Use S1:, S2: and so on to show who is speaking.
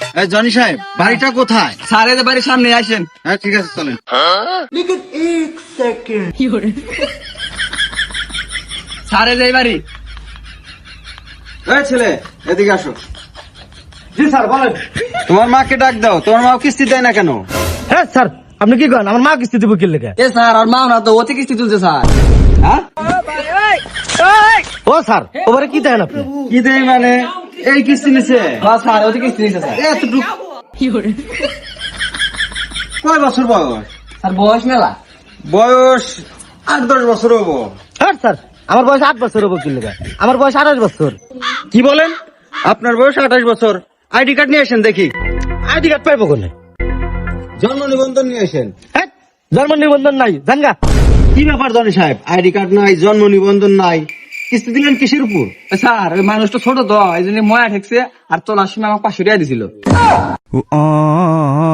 S1: Johnny সাহেব বাড়িটা কোথায়?
S2: স্যার এদের বাড়ির সামনে আসেন।
S1: হ্যাঁ ঠিক আছে চলেন।
S2: স্যার এই বাড়ি।
S1: এই ছেলে এদিকে আসো।
S3: জি স্যার বলেন।
S1: তোমার মাকে ডাক দাও, তোমার মা কিস্তি দেয় না কেন?
S3: হ্যাঁ স্যার আপনি কি করেন? আমার মা কিস্তি দেবো কি লেগে?
S2: এ স্যার আর মাও না তো, ওতে কিস্তি তুলছে স্যার।
S1: হ্যাঁ
S3: ও স্যার ওবারে কি দেন আপনি?
S1: কি দেয় মানে? এই কিস্তি নিছে
S2: হ্যাঁ স্যার ওতে কিস্তি নিছে স্যার।
S1: এতটুক। কয় বছর বয়স?
S2: স্যার বয়স মেলা।
S1: বয়স 8-10 বছর হবো।
S3: হ্যাঁ স্যার আমার বয়স 8 বছর হবো কি লেগে? আমার বয়স 28 বছর।
S1: কি বলেন? আপনার বয়স 28 বছর। আইডি কার্ড নিয়ে আসেন দেখি।
S3: আইডি কার্ড পাইবো কোনে?
S1: জন্ম নিবন্ধন নিয়ে আসেন।
S3: হ্যাঁ জন্ম নিবন্ধন নাই জানগা।
S1: কি ব্যাপার জনি সাহেব, আইডি কার্ড নাই, জন্ম নিবন্ধন নাই, কিস্তি দিলেন কিসের উপর?
S2: স্যার ওই মানুষটা ছোট তো, এই জন্য ময়া ঠেকছে, আর তোলার সময় আমাকে 500 টাকা দিছিল।